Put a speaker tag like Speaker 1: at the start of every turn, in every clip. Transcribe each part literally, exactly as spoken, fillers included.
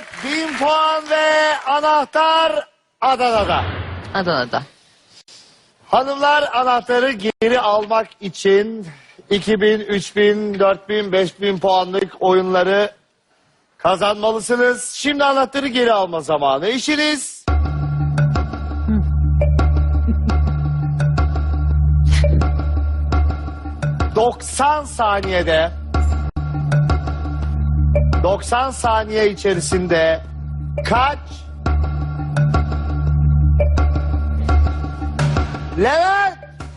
Speaker 1: Evet, bin puan ve anahtar Adana'da.
Speaker 2: Adana'da.
Speaker 1: Hanımlar, anahtarı geri almak için iki bin, üç bin, dört bin, beş bin puanlık oyunları kazanmalısınız. Şimdi anahtarı geri alma zamanı. İşiniz doksan saniyede doksan saniye içerisinde kaç Levent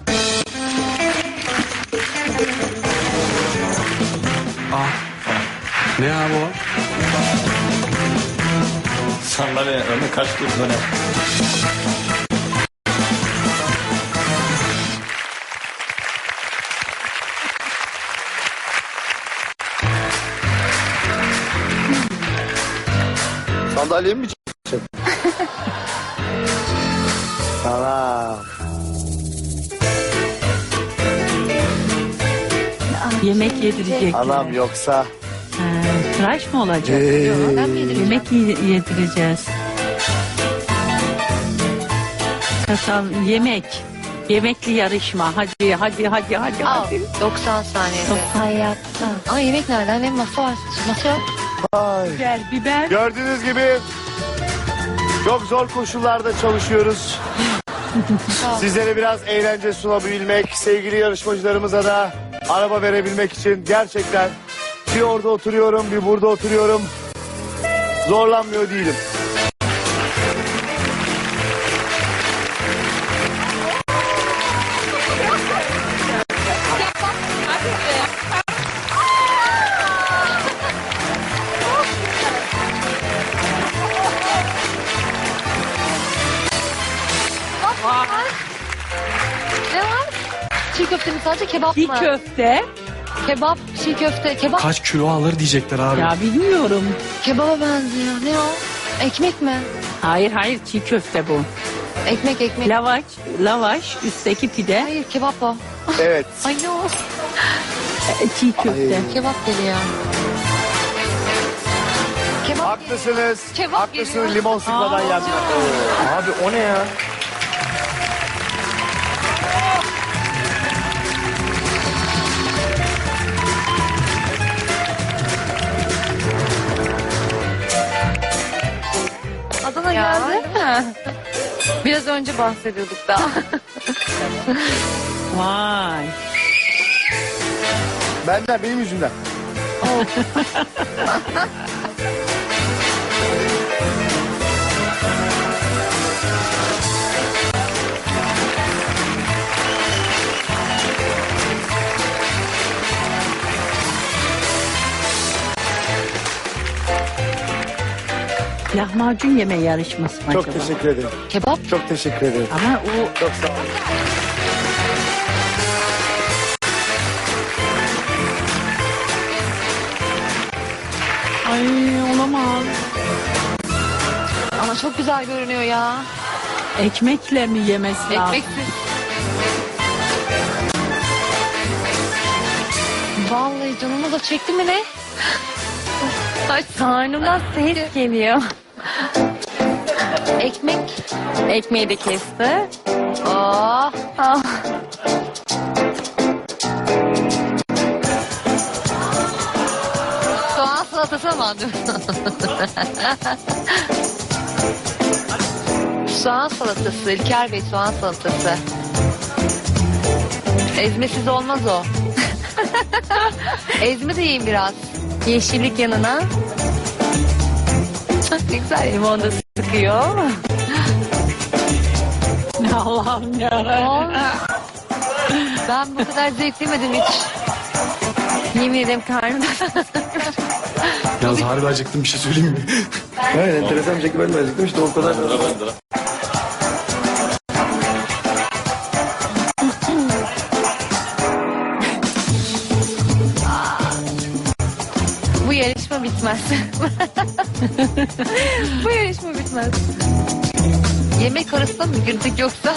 Speaker 3: Ah. Ne abi o?
Speaker 4: Sandalye önüne kaç tur döner.
Speaker 1: sandalyemi mi çekeceksin? Tamam.
Speaker 5: Yemek yedirecek.
Speaker 1: Anam yoksa
Speaker 5: Ha, tıraş mı olacak?
Speaker 1: Ee,
Speaker 2: Ben mi yedireceğim?
Speaker 5: Yemek ye- yedireceğiz. Kasal yemek. Yemekli yarışma. Hadi hadi hadi hadi.
Speaker 2: Al.
Speaker 5: hadi.
Speaker 2: doksan saniyede.
Speaker 5: Hayatta.
Speaker 2: Aa, yemek nereden? Benim masa var. Masa yok.
Speaker 1: ay.
Speaker 5: Biber biber.
Speaker 1: Gördüğünüz gibi çok zor koşullarda çalışıyoruz. Sizlere biraz eğlence sunabilmek, sevgili yarışmacılarımıza da araba verebilmek için gerçekten bir orada oturuyorum, bir burada oturuyorum. Zorlanmıyor değilim.
Speaker 2: Ne var? Çiğ köfte mi sadece kebap
Speaker 5: Bir
Speaker 2: mı?
Speaker 5: köfte.
Speaker 2: Kebap, çiğ köfte, kebap.
Speaker 3: Kaç kilo alır diyecekler abi.
Speaker 5: Ya bilmiyorum.
Speaker 2: Kebaba benziyor. Ne o? Ekmek mi?
Speaker 5: Hayır hayır çiğ köfte bu.
Speaker 2: Ekmek ekmek.
Speaker 5: Lavaş, lavaş, üstteki pide,
Speaker 2: Hayır kebap o.
Speaker 1: Evet.
Speaker 2: Ay ne o?
Speaker 5: e, çiğ köfte.
Speaker 2: Kebap geliyor. Kebap
Speaker 1: Haklısınız.
Speaker 2: Kebap
Speaker 1: Haklısınız.
Speaker 2: geliyor.
Speaker 1: Limon sıkmadan yenmez.
Speaker 4: Abi o ne ya?
Speaker 2: Adana geldi. Biraz önce bahsediyorduk da.
Speaker 5: Vay.
Speaker 1: Benden, benim yüzümden.
Speaker 5: Lahmacun yeme yarışması mı
Speaker 1: Çok
Speaker 5: acaba?
Speaker 1: teşekkür ederim.
Speaker 2: Kebap.
Speaker 1: Çok teşekkür ederim.
Speaker 5: Ama o
Speaker 1: Çok sağ olun.
Speaker 5: ay olamaz.
Speaker 2: Ama çok güzel görünüyor ya.
Speaker 5: Ekmekle mi yemesi lazım?
Speaker 2: Ekmeksiz. Vallahi canımı da çekti mi ne? Ay karnımdan ses geliyor. Ekmek. Ekmeği de kesti. Oh. Ah. Soğan salatası mı aldın? Soğan salatası. İlker Bey soğan salatası. Ezmesiz olmaz o. Ezme de yiyin biraz. Yeşillik yanına. Ne güzel limon da sıkıyor.
Speaker 5: Allah'ım ya.
Speaker 2: Ben bu kadar zevk yemedim hiç. Yemin ederim karnım.
Speaker 3: Yalnız harbi acıktım, bir şey söyleyeyim mi?
Speaker 4: Evet, enteresan bir şekilde ben de acıktım işte o kadar.
Speaker 2: Bu yarışma bitmez. Bu yarışma bitmez. Yemek arasında mı girdik yoksa?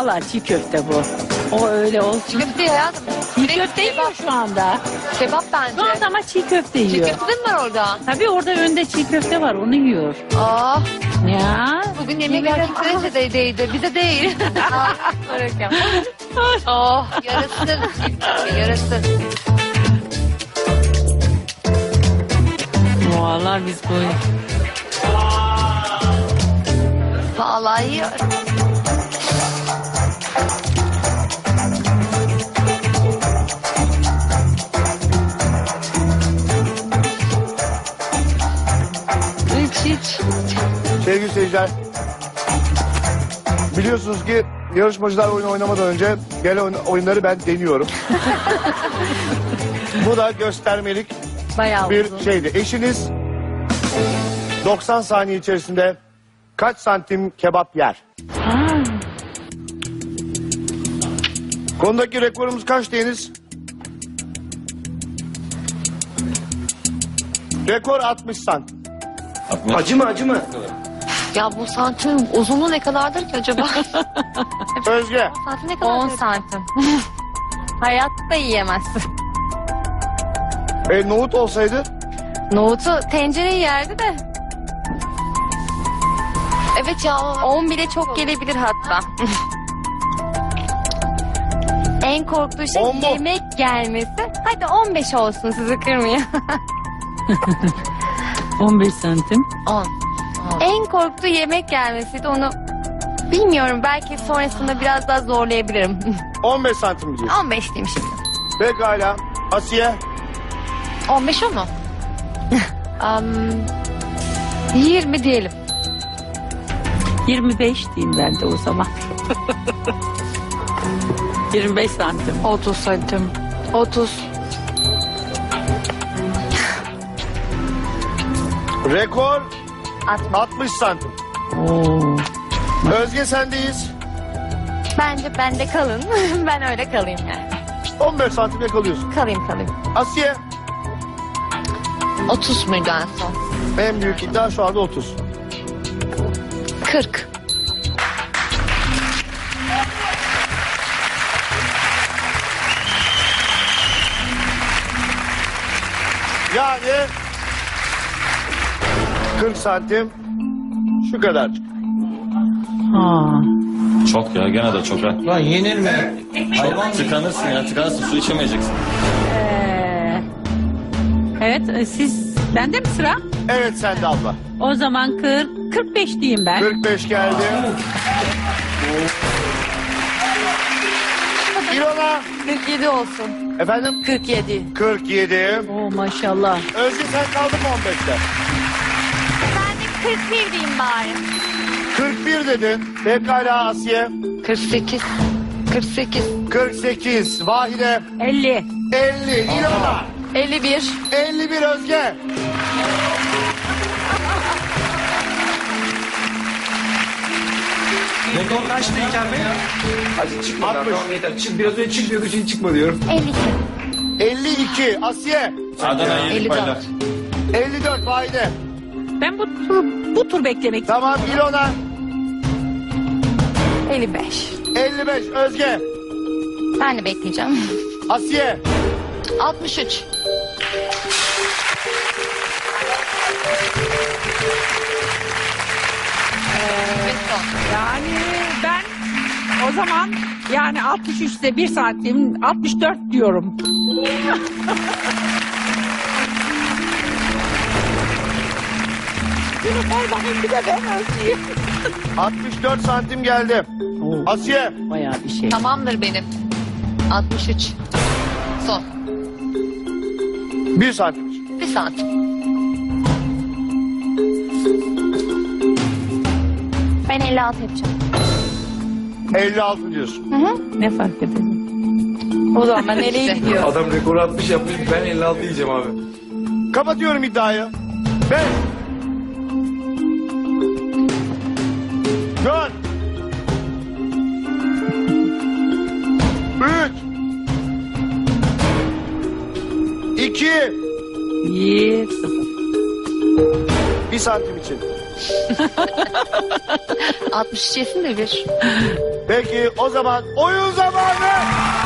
Speaker 5: Valla çiğ köfte bu. O öyle olsun.
Speaker 2: Köfte hayatım.
Speaker 5: Çiğ köfte yiyor şu anda.
Speaker 2: Kebap bence.
Speaker 5: Şu anda ama çiğ köfte
Speaker 2: Çiğ
Speaker 5: yiyor.
Speaker 2: köfte de mi var orada?
Speaker 5: Tabii orada önde çiğ köfte var, onu yiyor.
Speaker 2: Aa,
Speaker 5: Ya.
Speaker 2: bugün yemek erkek derecedeydi. Bize değil. Oh, yarasın. Yarasın.
Speaker 5: Vallahi biz bu.
Speaker 2: Vallahi yiyor. Hiç hiç.
Speaker 1: Sevgili seyirciler, biliyorsunuz ki yarışmacılar oyun oynamadan önce gelen oyun- oyunları ben deniyorum. Bu da göstermelik
Speaker 2: Bayağı
Speaker 1: bir
Speaker 2: uzun.
Speaker 1: şeydi. Eşiniz doksan saniye içerisinde kaç santim kebap yer?
Speaker 5: Ha.
Speaker 1: Konudaki rekorumuz kaç Deniz? Rekor altmış santim.
Speaker 4: Acıma acıma.
Speaker 2: Ya bu santim uzunluğu ne kadardır ki acaba?
Speaker 1: Özge.
Speaker 2: Santim ne kadar? on santim. Hayatta yiyemezsin.
Speaker 1: E, nohut olsaydı
Speaker 2: Nohutu tencereye yerdi de. Evet ya. on bile çok gelebilir hatta. En korktuğu şey
Speaker 1: On mu?
Speaker 2: yemek gelmesi. Hadi on beş olsun, sizi kırmayayım.
Speaker 5: on beş santim.
Speaker 2: on. En korktuğu yemek gelmesiydi, onu bilmiyorum, belki sonrasında biraz daha zorlayabilirim.
Speaker 1: on beş santim diyeceğiz.
Speaker 2: on beş diyeyim şimdi.
Speaker 1: Pekala. Asiye.
Speaker 2: on beş o mu? um, yirmi diyelim.
Speaker 5: yirmi beş diyeyim ben de o zaman. yirmi beş santim.
Speaker 2: otuz santim. otuz.
Speaker 1: Rekor
Speaker 2: altmış.
Speaker 1: altmış santim.
Speaker 5: Oo.
Speaker 1: Özge sendeyiz.
Speaker 2: Bence bende kalın. Ben öyle kalayım yani.
Speaker 1: on beş santimle kalıyorsun.
Speaker 2: Kalayım kalayım.
Speaker 1: Asiye.
Speaker 2: otuz muydu en son?
Speaker 1: En büyük iddia şu anda otuz.
Speaker 2: kırk.
Speaker 1: Yani kırk santim şu kadar.
Speaker 5: Ha.
Speaker 4: Çok ya gene de çok ha.
Speaker 6: Lan yenir mi?
Speaker 4: Çok tıkanırsın ya tıkanırsın su içemeyeceksin.
Speaker 5: Ee, evet, e, siz bende mi sıra?
Speaker 1: Evet sende abla.
Speaker 5: O zaman kırk, kırk beş diyeyim ben.
Speaker 1: kırk beş geldi. İrona.
Speaker 2: kırk yedi olsun.
Speaker 1: Efendim?
Speaker 2: kırk yedi.
Speaker 1: kırk yedi.
Speaker 5: Oo maşallah.
Speaker 1: Özge sen kaldın mı on beşte?
Speaker 2: Ben de kırk bir diyeyim bari.
Speaker 1: kırk bir dedin. Pekala Asiye.
Speaker 2: kırk sekiz. kırk sekiz.
Speaker 1: kırk sekiz. Vahide.
Speaker 5: elli.
Speaker 1: elli. İrona.
Speaker 2: elli bir.
Speaker 1: elli bir Özge.
Speaker 6: Rekor kaçtı İlker Bey?
Speaker 4: Hadi çıkma
Speaker 1: altmış.
Speaker 4: tamam yeter. Çık, biraz önce çık diyordu şimdi çıkma diyorum.
Speaker 2: elli iki.
Speaker 1: elli iki. Asiye.
Speaker 4: Adana
Speaker 2: elli
Speaker 4: yedik
Speaker 2: dört.
Speaker 4: paylar.
Speaker 1: elli dört Vahide.
Speaker 5: Ben bu tur, bu tur beklemek
Speaker 1: Tamam İrona.
Speaker 2: elli beş.
Speaker 1: elli beş Özge.
Speaker 2: Ben de bekleyeceğim.
Speaker 1: Asiye.
Speaker 2: altmış üç.
Speaker 5: Yani ben o zaman yani altmış üçte bir santim altmış dört diyorum. Bir de bakayım bir de ben ölçeyim.
Speaker 1: altmış dört santim geldi.
Speaker 5: Oo,
Speaker 1: Asiye.
Speaker 5: bayağı bir şey.
Speaker 2: Tamamdır benim. altmış üç. Son.
Speaker 1: bir santim.
Speaker 2: Bir santim. Ben elli altı yapacağım.
Speaker 1: elli altı diyorsun.
Speaker 5: Ne fark eder?
Speaker 2: O zaman ben nereye gidiyorum?
Speaker 4: Adam rekoru altmış yapmış ben elli altı yiyeceğim abi.
Speaker 1: Kapatıyorum iddiayı. beş. dört. üç. iki.
Speaker 5: Bir sıfır.
Speaker 1: Bir santim için.
Speaker 2: altmış üç yesin de bir.
Speaker 1: Peki o zaman oyun zamanı.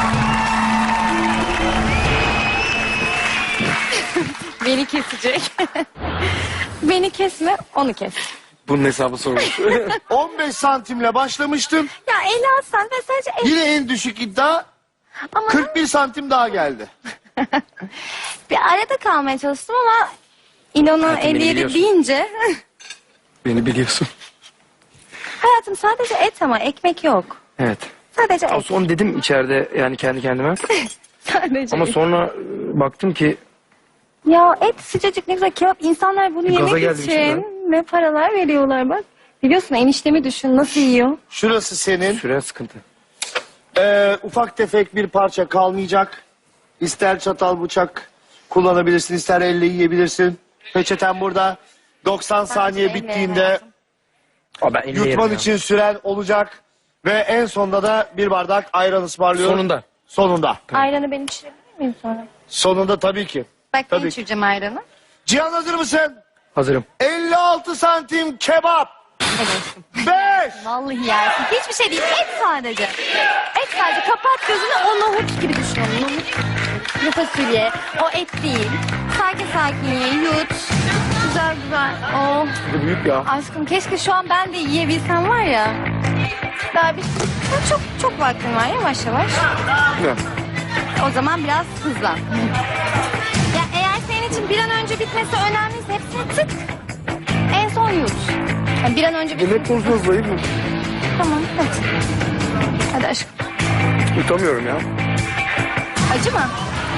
Speaker 2: Beni kesecek. Beni kesme, onu kes.
Speaker 3: Bunun hesabı sorulmuş.
Speaker 1: on beş santimle başlamıştım.
Speaker 2: Ya Ela sen de sadece el...
Speaker 1: Yine en düşük iddia
Speaker 2: Ama
Speaker 1: kırk bir santim daha geldi.
Speaker 2: bir arada kalmaya çalıştım ama İlona
Speaker 3: Hayatım, beni
Speaker 2: elli yedi
Speaker 3: biliyorsun.
Speaker 2: deyince...
Speaker 3: Beni biliyorsun.
Speaker 2: Hayatım sadece et ama ekmek yok.
Speaker 7: Evet.
Speaker 2: Sadece
Speaker 7: Ama
Speaker 2: et.
Speaker 7: son dedim içeride yani kendi kendime.
Speaker 2: Sadece
Speaker 7: Ama
Speaker 2: et.
Speaker 7: sonra e, baktım ki
Speaker 2: Ya et sıcacık ne güzel kebap. İnsanlar bunu
Speaker 7: Bir gaza
Speaker 2: yemek
Speaker 7: geldim
Speaker 2: için
Speaker 7: şimdi.
Speaker 2: ne paralar veriyorlar bak. Biliyorsun eniştemi düşün nasıl yiyor.
Speaker 1: Şurası senin.
Speaker 7: süre sıkıntı.
Speaker 1: Ee, ufak tefek bir parça kalmayacak. İster çatal bıçak kullanabilirsin, ister elle yiyebilirsin. Peçeten burada. doksan saniye
Speaker 2: elle
Speaker 1: bittiğinde
Speaker 2: hayatım.
Speaker 7: Aa, ben elli
Speaker 1: yutman
Speaker 7: yerim ya.
Speaker 1: için süren olacak. Ve en sonunda da bir bardak ayran ısmarlıyorum.
Speaker 7: Sonunda.
Speaker 1: Sonunda.
Speaker 2: Ayranı ben içirebilir miyim sonra?
Speaker 1: Sonunda tabii ki.
Speaker 2: Bak ben
Speaker 1: Tabii.
Speaker 2: içireceğim ayranı.
Speaker 1: Cihan hazır mısın?
Speaker 7: Hazırım.
Speaker 1: elli altı santim kebap. beş.
Speaker 2: Vallahi yersin. Hiçbir şey değil. Et sadece. Et sadece. Kapat gözünü o nohut gibi düşün. onu. Nohut. Kuru fasulye. O et değil. Sakin sakin ye. Yut. Güzel güzel. Oh.
Speaker 7: Bu büyük ya.
Speaker 2: Aşkım keşke şu an ben de yiyebilsem var ya. Daha bir daha çok çok vaktin var yavaş yavaş.
Speaker 7: Ya.
Speaker 2: O zaman biraz hızlan. Ya eğer senin için bir an önce bitmesi önemliyse hepsini tık. En son yut. Yani bir an önce bit.
Speaker 7: Yemek konusunda zayıf mı?
Speaker 2: Tamam hadi. Hadi aşkım.
Speaker 7: Yutamıyorum ya.
Speaker 2: Acı mı?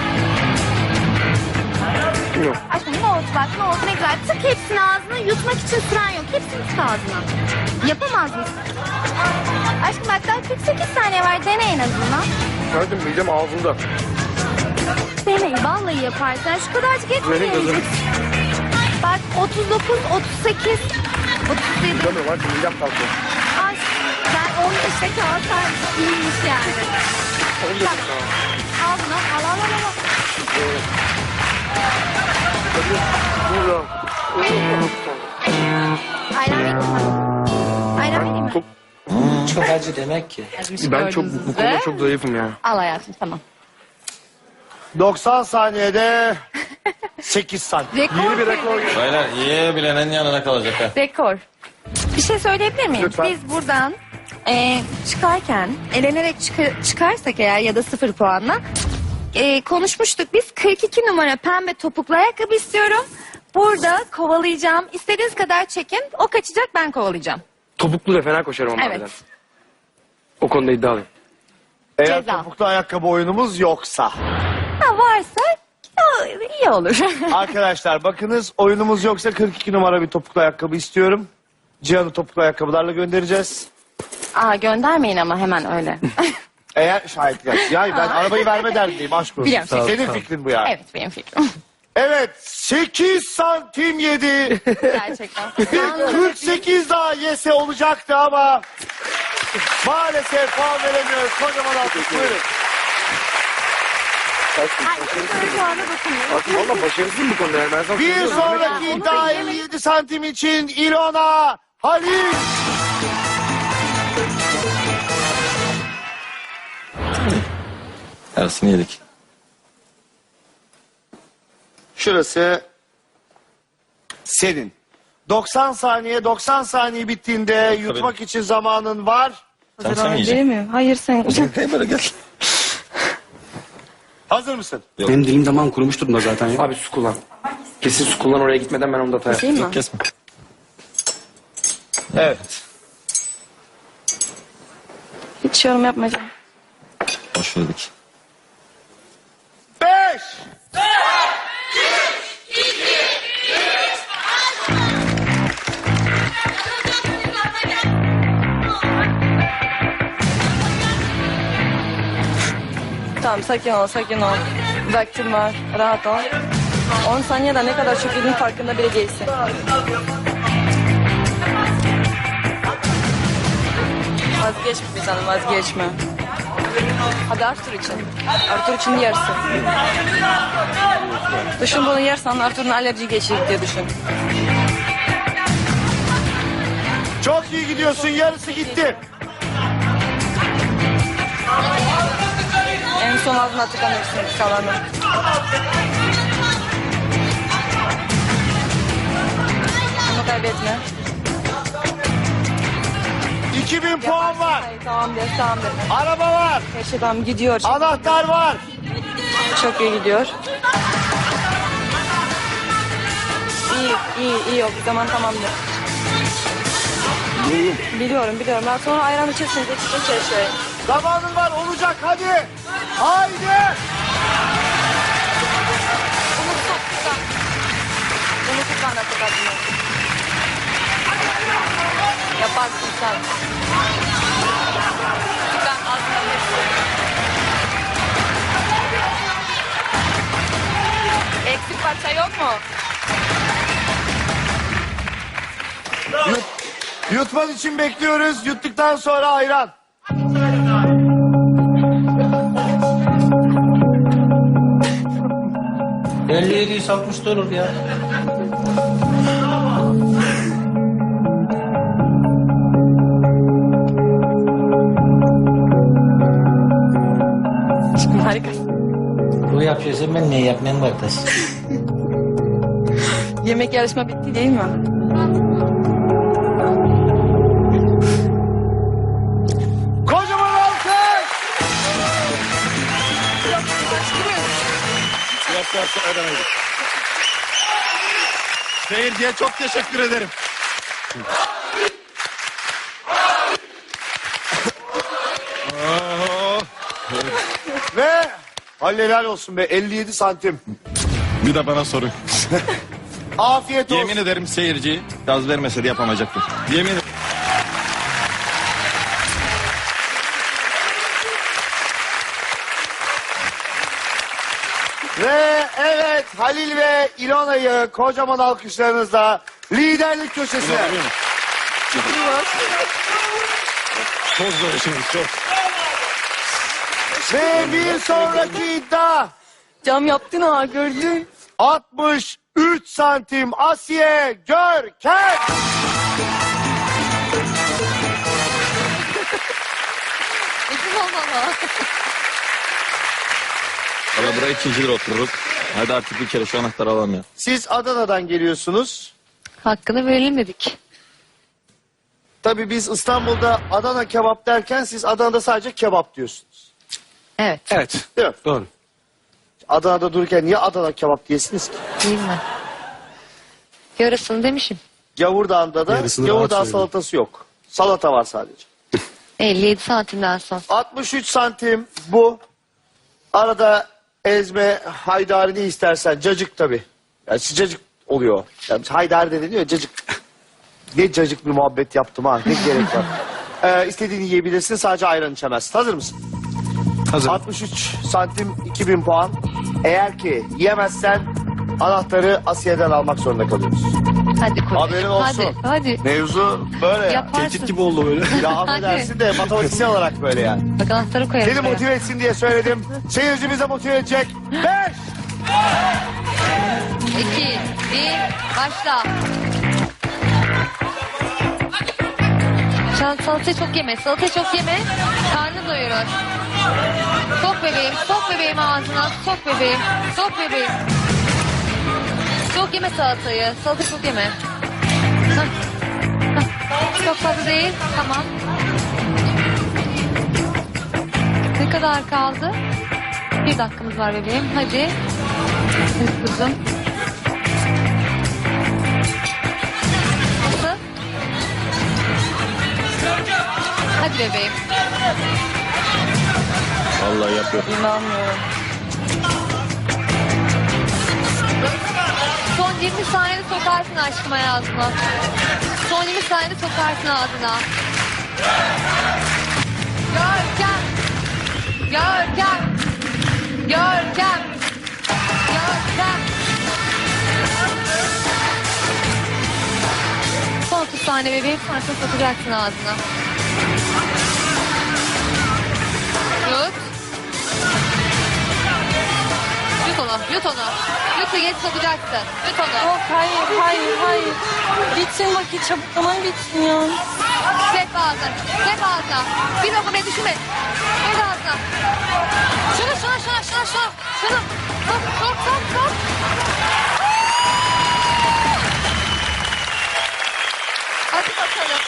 Speaker 7: Yok.
Speaker 2: Aşkım nohut bak nohut ne güzel. Tık hepsini ağzına yutmak için süren yok. Hepsini tık ağzına. Yapamaz mısın? Aşkım bak daha kırk sekiz saniye var. Dene en azından.
Speaker 7: Gördüm midem ağzımda.
Speaker 2: Dene. Vallahi yaparsan. Şu kadarcık et mi
Speaker 7: Verin kızım.
Speaker 2: yiyeceksin? Bak otuz dokuz, otuz sekiz, otuz yedi.
Speaker 7: Yutamıyorum artık midem kalkıyor.
Speaker 2: Ay, ben on beşe kalsam iyiymiş yani. Bak, al bunu, al al al al.
Speaker 7: Burada.
Speaker 2: Ayran vereyim mi? Ayran vereyim mi?
Speaker 7: Çok,
Speaker 6: Çok acı demek ki.
Speaker 7: ben çok bu konuda çok zayıfım ya.
Speaker 2: Al hayatım tamam.
Speaker 1: doksan saniyede sekiz santim.
Speaker 2: Rekor.
Speaker 7: Yeni bir rekor.
Speaker 4: Baylar yiyebilenin yanına kalacak ha.
Speaker 2: Rekor. Bir şey söyleyebilir miyim?
Speaker 7: Lütfen.
Speaker 2: Biz buradan e, çıkarken elenerek çıkar- çıkarsak eğer ya da sıfır puanla e, konuşmuştuk. Biz kırk iki numara pembe topuklu ayakkabı istiyorum. Burada kovalayacağım. İstediğiniz kadar çekin. O kaçacak ben kovalayacağım.
Speaker 7: Topuklu da fena koşarım ama.
Speaker 2: Evet.
Speaker 7: harbiden. O konuda iddialıyım.
Speaker 1: Eğer
Speaker 2: Ceza.
Speaker 1: topuklu ayakkabı oyunumuz yoksa.
Speaker 2: Ha, varsa o, iyi olur.
Speaker 1: Arkadaşlar bakınız oyunumuz yoksa kırk iki numara bir topuklu ayakkabı istiyorum. Cihan'ı topuklu ayakkabılarla göndereceğiz.
Speaker 2: Aa, göndermeyin ama hemen öyle.
Speaker 1: Eğer şahit gelsin. Yani ben arabayı verme derdindeyim aşk olsun.
Speaker 2: Biliyorum. Sağ ol,
Speaker 1: Senin
Speaker 7: sağ ol.
Speaker 1: fikrin bu yani.
Speaker 2: Evet benim fikrim.
Speaker 1: Evet sekiz santim yedi.
Speaker 2: Gerçekten.
Speaker 1: kırk sekiz daha yese olacaktı ama maalesef puan veremiyoruz. Kocaman alkış buyurun.
Speaker 2: Ay, şu anda dokunuyor.
Speaker 7: Valla başarısızım bu konuda yani. Ben sana
Speaker 1: Bir
Speaker 7: söylüyorum.
Speaker 1: sonraki
Speaker 2: Onu
Speaker 1: iddia
Speaker 2: da
Speaker 1: elli yedi santim için İlona Halil.
Speaker 4: Yarısını yedik.
Speaker 1: Şurası senin. doksan saniye doksan saniye bittiğinde yutmak için zamanın var.
Speaker 4: Sen sen mi yiyeceksin?
Speaker 2: mi? Hayır sen.
Speaker 4: Hey böyle gel.
Speaker 1: Hazır mısın?
Speaker 3: Benim dilim damağım kurumuş durumda zaten ya.
Speaker 7: Abi su kullan. Kesin su kullan oraya gitmeden ben onu da atayım.
Speaker 2: Değil mi?
Speaker 4: Yok kesme.
Speaker 1: Evet.
Speaker 2: Hiç yorum yapmayacağım.
Speaker 4: Hoş verdik.
Speaker 1: Beş.
Speaker 8: Tamam sakin ol sakin ol. Vaktin var rahat ol. on saniyede ne kadar çok yediğin farkında bile değilsin. Vazgeçme bir tanem vazgeçme. Hadi Arthur için. Arthur için yersin. Düşün bunu yersen Arthur'un alerji geçirir diye düşün.
Speaker 1: Çok iyi gidiyorsun. Yarısı gitti.
Speaker 8: En son ağzına tıkanırsın kalanı. Bunu kaybetme.
Speaker 1: iki bin puan var.
Speaker 8: Hayır, tamam de, tamam de.
Speaker 1: Araba var.
Speaker 8: Her şey tamam gidiyor.
Speaker 1: Anahtar var.
Speaker 8: Çok iyi gidiyor. İyi, iyi, iyi o zaman tamamdır. Biliyorum, biliyorum. Ben sonra ayran içersin, geçecek her şey.
Speaker 1: Zamanın var. Olacak. Hadi. Haydi.
Speaker 8: Bunu tut, tut. Bunu tut bana tıkatını. Yaparsın sen. Tıkan ağzına hepsi. Eksik parça yok mu?
Speaker 1: Yut, yutman için bekliyoruz. Yuttuktan sonra ayran.
Speaker 6: elli yedi yüz altmış da olur ya.
Speaker 8: Harika.
Speaker 6: Bu yapıyorsa ben ne yapmayayım kardeş?
Speaker 8: Yemek yarışma bitti değil mi?
Speaker 1: Kocaman alkış. Seyirciye çok teşekkür ederim. Ve helal olsun be, elli yedi santim.
Speaker 4: Bir de bana sorun.
Speaker 1: Afiyet olsun.
Speaker 4: Yemin ederim seyirci gaz vermese de yapamayacaktım. Yemin ederim.
Speaker 1: Ve evet, Halil ve İlona'yı kocaman alkışlarınızla liderlik köşesine.
Speaker 4: Çok zor işimiz çok.
Speaker 1: Ve bir sonraki iddia
Speaker 8: Cam yaptın ha gördün.
Speaker 1: altmış üç santim Asiye Görkem.
Speaker 4: Valla buraya ikinci lira otururuz. Hadi artık bir kere şu anahtarı alalım ya.
Speaker 1: Siz Adana'dan geliyorsunuz.
Speaker 2: Hakkını verelim dedik.
Speaker 1: Tabii biz İstanbul'da Adana kebap derken siz Adana'da sadece kebap diyorsunuz.
Speaker 2: Evet.
Speaker 3: Evet.
Speaker 1: Değil mi?
Speaker 3: Doğru.
Speaker 1: Adana'da dururken niye Adana kebap diyesiniz ki?
Speaker 2: Değil mi? Yarısını demişim.
Speaker 1: Gavurdağ'da da
Speaker 3: Yarısını
Speaker 1: Gavurdağ
Speaker 3: rahat söyledim.
Speaker 1: salatası yok. Salata var sadece.
Speaker 2: elli yedi santimden son.
Speaker 1: altmış üç santim bu. Arada ezme, haydari ne istersen. Cacık tabii. Yani cacık oluyor. Yani haydari de deniyor, cacık. Ne cacık bir muhabbet yaptım ha. Ne gerek var. Ee, istediğini yiyebilirsin, sadece ayran içemezsin. Hazır mısın?
Speaker 3: Hazır.
Speaker 1: altmış üç santim iki bin puan. Eğer ki yiyemezsen anahtarı Asiye'den almak zorunda kalıyoruz.
Speaker 2: Hadi koy.
Speaker 1: Haberin olsun.
Speaker 2: Hadi, hadi.
Speaker 1: Mevzu böyle ya.
Speaker 2: Yaparsın.
Speaker 3: Tehdit gibi oldu böyle.
Speaker 1: Ya affedersin de matematiksel olarak böyle yani.
Speaker 2: Bak anahtarı koyalım.
Speaker 1: Seni
Speaker 2: buraya.
Speaker 1: motive etsin diye söyledim. Seyirci bize motive edecek. Beş.
Speaker 2: İki, bir, başla. Sen salatayı çok yeme, salatayı çok yeme. Karnın doyurur. Sok bebeğim, sok bebeğim ağzına, sok bebeğim, sok bebeğim. Çok yeme salatayı, salatayı çok yeme. Hah. Hah. Çok fazla değil, tamam. Ne kadar kaldı? Bir dakikamız var bebeğim, hadi. Hadi kızım. Nasıl? Hadi bebeğim.
Speaker 4: Vallahi yapıyor.
Speaker 8: İnanmıyorum.
Speaker 2: Son yirmi saniyede sokarsın aşkım ağzına. Son yirmi saniyede sokarsın ağzına. Görkem. Görkem. Görkem. Görkem. Son otuz saniye bebeğim, sonra sokacaksın ağzına. Tut. Tut
Speaker 9: onu. Yut onu. Yut geç sokacaksın. Yut onu.
Speaker 8: Yok hayır hayır hayır. Bitsin vakit çabuk zaman bitsin ya.
Speaker 9: Hep ağzına. Hep ağzına. Bir lokma düşünme. Hep ağzına. Şunu şunu şunu şunu şunu. Şunu. Sok sok sok sok. Hadi bakalım.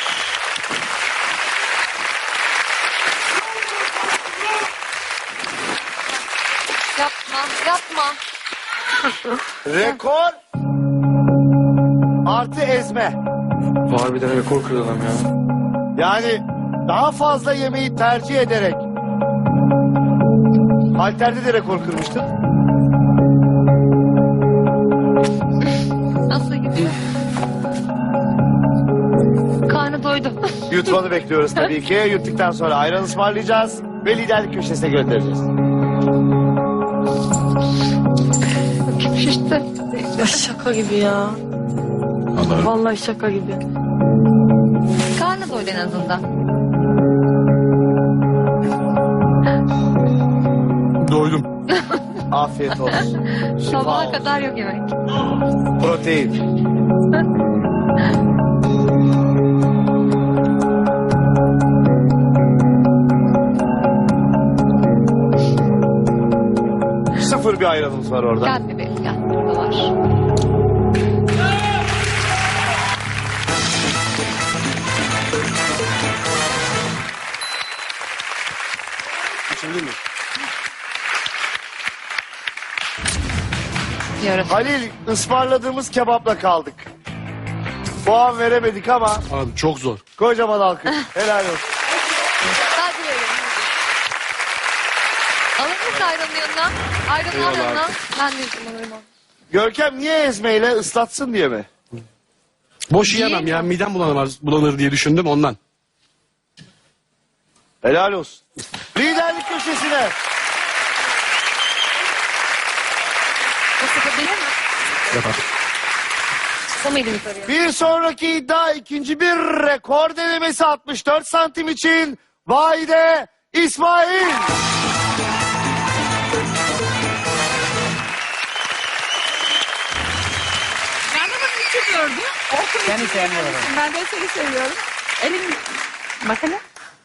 Speaker 9: Yapma, yapma.
Speaker 1: Rekor artı ezme.
Speaker 7: Harbiden rekor kırdı adam ya.
Speaker 1: Yani daha fazla yemeği tercih ederek. Halterde de rekor kırmıştın.
Speaker 9: Nasıl gidiyor? Karnı doydu.
Speaker 1: Yutmanı bekliyoruz tabii ki. Yuttuktan sonra ayran ısmarlayacağız ve liderlik köşesine göndereceğiz.
Speaker 9: Şişti.
Speaker 8: Ya şaka gibi ya. Vallahi şaka gibi.
Speaker 9: Karnı doydu en azından.
Speaker 3: Doydum.
Speaker 1: Afiyet olsun. Şifa
Speaker 9: Sabaha
Speaker 1: olsun.
Speaker 9: kadar yok yemek.
Speaker 1: Protein. Sıfır bir ayranımız var orada.
Speaker 9: Gel bebeğim gel. Burada var.
Speaker 3: Şimdi mi?
Speaker 9: Diyoruz.
Speaker 1: Halil, ısmarladığımız kebapla kaldık. Puan veremedik ama
Speaker 3: Abi çok zor.
Speaker 1: kocaman alkış. Helal olsun.
Speaker 9: Hadi verelim. Alır mısın ayranın yanına? Ayranın al
Speaker 3: Eyvallah
Speaker 9: yanına.
Speaker 3: abi.
Speaker 9: Ben de yüzüm alırım onu.
Speaker 1: Görkem niye ezmeyle ıslatsın diye mi?
Speaker 3: Boş yiyemem ya, midem bulanır, bulanır diye düşündüm ondan.
Speaker 1: Helal olsun. Liderlik köşesine.
Speaker 9: Bu sıkabilir mi?
Speaker 3: Yapar.
Speaker 9: Kısa mıydı yukarıya?
Speaker 1: Bir sonraki iddia ikinci bir rekor denemesi altmış dört santim için Vahide İsmail.
Speaker 5: Ben de bunu için gördüm. Orkun
Speaker 6: Seni sevmiyorum.
Speaker 5: Ben de seni seviyorum. Elim... Bak hele.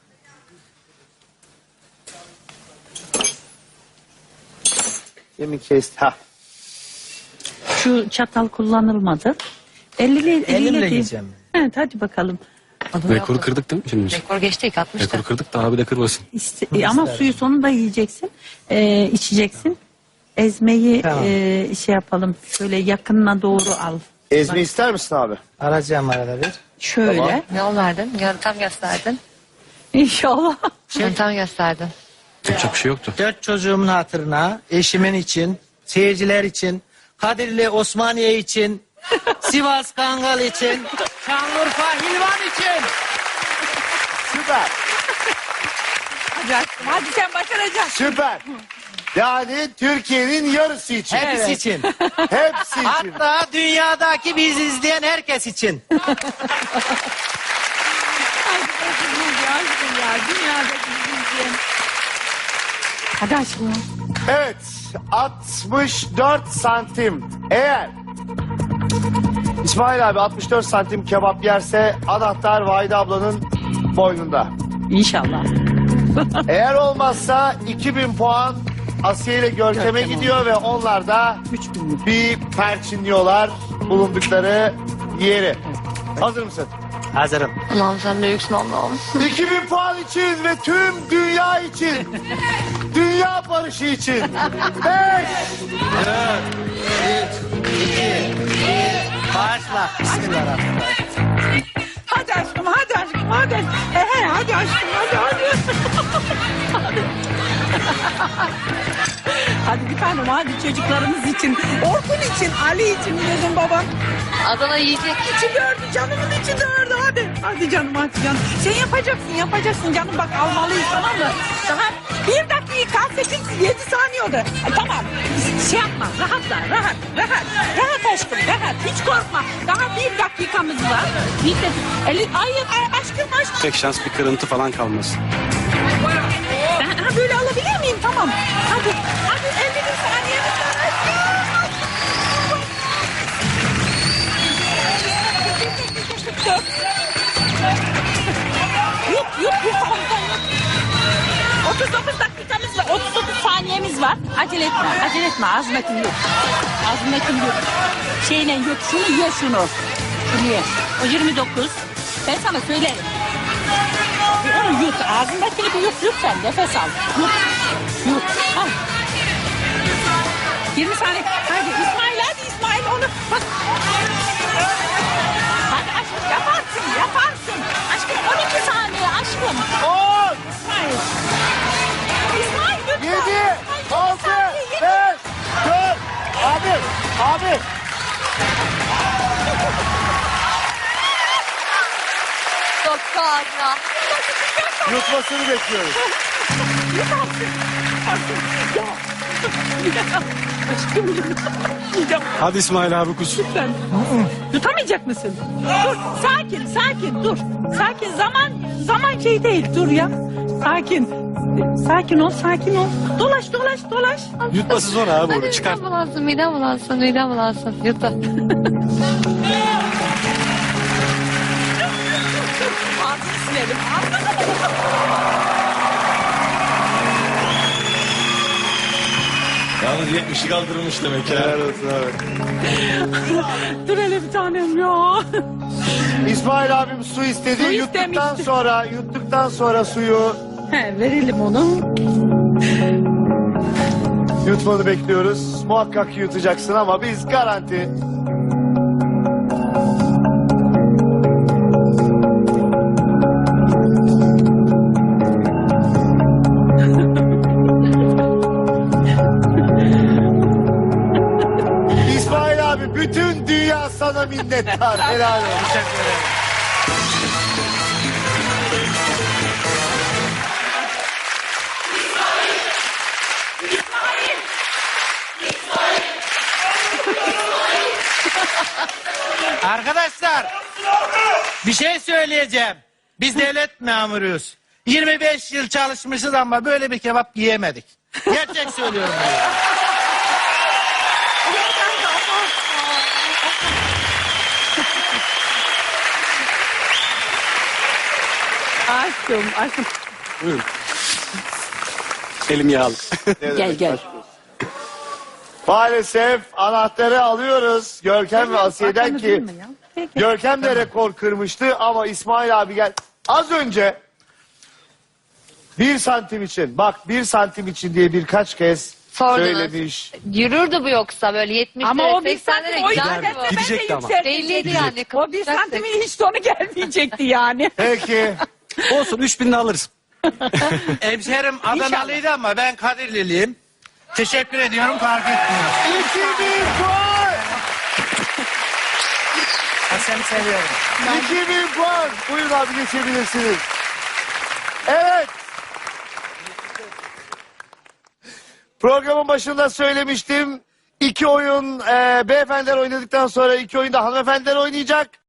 Speaker 1: Yemin kesti. Ha.
Speaker 5: Şu çatal kullanılmadı. Eliyle, eliyle
Speaker 6: Elimle
Speaker 5: değil.
Speaker 6: yiyeceğim.
Speaker 5: Evet hadi bakalım.
Speaker 3: Rekoru kırdık değil mi şimdi? biz?
Speaker 9: Rekor geçti ilk altmışta.
Speaker 3: Rekoru kırdık da abi de kırmasın.
Speaker 5: İşte, ama suyu sonunda yiyeceksin. Ee, içeceksin. Ezmeyi
Speaker 6: Tamam.
Speaker 5: e, şey yapalım. Şöyle yakınına doğru al.
Speaker 1: Ezme ister misin abi?
Speaker 6: Arayacağım arada bir.
Speaker 5: Şöyle.
Speaker 1: Tamam.
Speaker 9: Yol verdin. Yöntem gösterdin.
Speaker 5: İnşallah.
Speaker 9: Yöntem gösterdin.
Speaker 3: Yapacak bir şey yoktu.
Speaker 6: Dört çocuğumun hatırına, eşimin için, seyirciler için, Kadirli Osmaniye için, Sivas Kangal için, Şanlıurfa Hilvan için.
Speaker 1: Süper.
Speaker 5: Hadi aşkım, hadi sen başaracaksın.
Speaker 1: Süper. Yani Türkiye'nin yarısı için.
Speaker 6: Hepsi için.
Speaker 1: Hepsi için.
Speaker 6: Hatta dünyadaki bizi izleyen herkes için.
Speaker 5: Hadi aşkım, hadi aşkım ya. Dünyadaki bizi izleyen. Hadi aşkım.
Speaker 1: Evet. altmış dört santim. Eğer İsmail abi altmış dört santim kebap yerse anahtar Vahide ablanın boynunda.
Speaker 5: İnşallah.
Speaker 1: Eğer olmazsa iki bin puan Asiye ile Görkem'e
Speaker 5: Görkem
Speaker 1: gidiyor ve onlar da
Speaker 5: Üç bin.
Speaker 1: bir perçinliyorlar bulundukları yeri. Hazır mısın?
Speaker 6: Hazırım.
Speaker 9: Allah'ım sen büyüksün Allah'ım.
Speaker 1: iki bin puan için ve tüm dünya için. Dünya barışı için. Beş.
Speaker 6: Başla. Bismillahirrahmanirrahim.
Speaker 5: Hadi aşkım, hadi aşkım, hadi. Ehe, hadi aşkım, hadi, hadi. Hadi bir tanem, hadi çocuklarımız için, Orkun için, Ali için, gözüm babam.
Speaker 9: Adana yiyecek.
Speaker 5: İçi dördü, canımın içi dördü, hadi. Hadi canım, hadi canım. Sen yapacaksın, yapacaksın canım, bak almalıyız, tamam mı? Daha bir dakika, sekiz, yedi saniye oldu. E, tamam, şey yapma, rahatla, rahat, rahat. Rahat aşkım, rahat, hiç korkma. Daha bir dakikamız var. Bir de, eli, hayır, ay, aşkım, aşkım.
Speaker 3: Tek şans bir kırıntı falan kalmasın.
Speaker 5: Ben ha, böyle alabilir miyim? Tamam. Hadi. Hadi elli bir saniyemiz var. Hadi. yutma ağzındakini yut. Ağzındakini yut. Şeyle yut şunu ye şunu. Şunu ye. O yirmi dokuz. Ben sana söylerim. Onu yut. Ağzındakini bir yut yut sen. Nefes al. Yut. Yut. Al. yirmi saniye. Hadi İsmail hadi İsmail onu. Bak. Hadi aşkım yaparsın yaparsın. Aşkım on iki saniye aşkım.
Speaker 1: on,
Speaker 5: İsmail. İsmail lütfen.
Speaker 1: yedi, altı, beş, dört. Abi, abi.
Speaker 9: Çok fazla.
Speaker 1: Yutmasını bekliyoruz.
Speaker 5: Aşkım yiyeceğim.
Speaker 3: Hadi İsmail abi kus.
Speaker 5: Lütfen. Tutamayacak mısın? Dur sakin sakin dur. Sakin zaman zaman şey değil dur ya. Sakin. Sakin ol sakin ol. Dolaş dolaş dolaş.
Speaker 3: Yutması zor abi
Speaker 9: Hadi
Speaker 3: onu çıkar.
Speaker 9: midem bulansın, midem bulansın, midem bulansın. Yut da.
Speaker 5: Ağzını silelim.
Speaker 4: Yalnız yetmişi kaldırmış demek ya.
Speaker 1: Helal olsun abi.
Speaker 5: Dur hele bir tanem ya.
Speaker 1: İsmail abim su istedi.
Speaker 5: Su
Speaker 1: Yuttuktan
Speaker 5: istemişti.
Speaker 1: sonra, yuttuktan sonra suyu
Speaker 5: He, verelim onu.
Speaker 1: yutmanı bekliyoruz. Muhakkak ki yutacaksın ama biz garanti. İsmail abi bütün dünya sana minnettar. Helal olsun.
Speaker 6: Teşekkür ederim. Arkadaşlar bir şey söyleyeceğim. Biz devlet memuruyuz. yirmi beş yıl çalışmışız ama böyle bir kebap yiyemedik. Gerçek söylüyorum. Yani.
Speaker 5: Aşkım aşkım.
Speaker 3: Buyurun. Elim yağlı.
Speaker 5: Gel gel.
Speaker 1: Maalesef anahtarı alıyoruz. Görkem ve Asiye'den ki Görkem de rekor kırmıştı ama İsmail abi gel. Az önce bir santim için bak bir santim için diye birkaç kez
Speaker 9: Sordunuz.
Speaker 1: söylemiş.
Speaker 9: Yürürdü bu yoksa böyle yetmişlere,
Speaker 5: Ama o bir
Speaker 9: seksenlere
Speaker 5: santim o
Speaker 9: giderdi
Speaker 5: yükseltse
Speaker 9: bu.
Speaker 5: ben de
Speaker 3: Gidecekti ama.
Speaker 5: yükseltecektim.
Speaker 9: Belliydi yani.
Speaker 5: O bir santimin hiç sonu gelmeyecekti yani.
Speaker 1: Peki.
Speaker 3: Olsun üç binini alırız.
Speaker 6: Hemşerim Adanalıydı ama ben Kadirliliyim. Teşekkür ediyorum, fark etmiyor.
Speaker 1: İki bin puan.
Speaker 6: Ha, seni seviyorum.
Speaker 1: İki bin puan. Buyurun abi geçebilirsiniz. Evet. Programın başında söylemiştim. İki oyun e, beyefendiler oynadıktan sonra iki oyunda hanımefendiler oynayacak.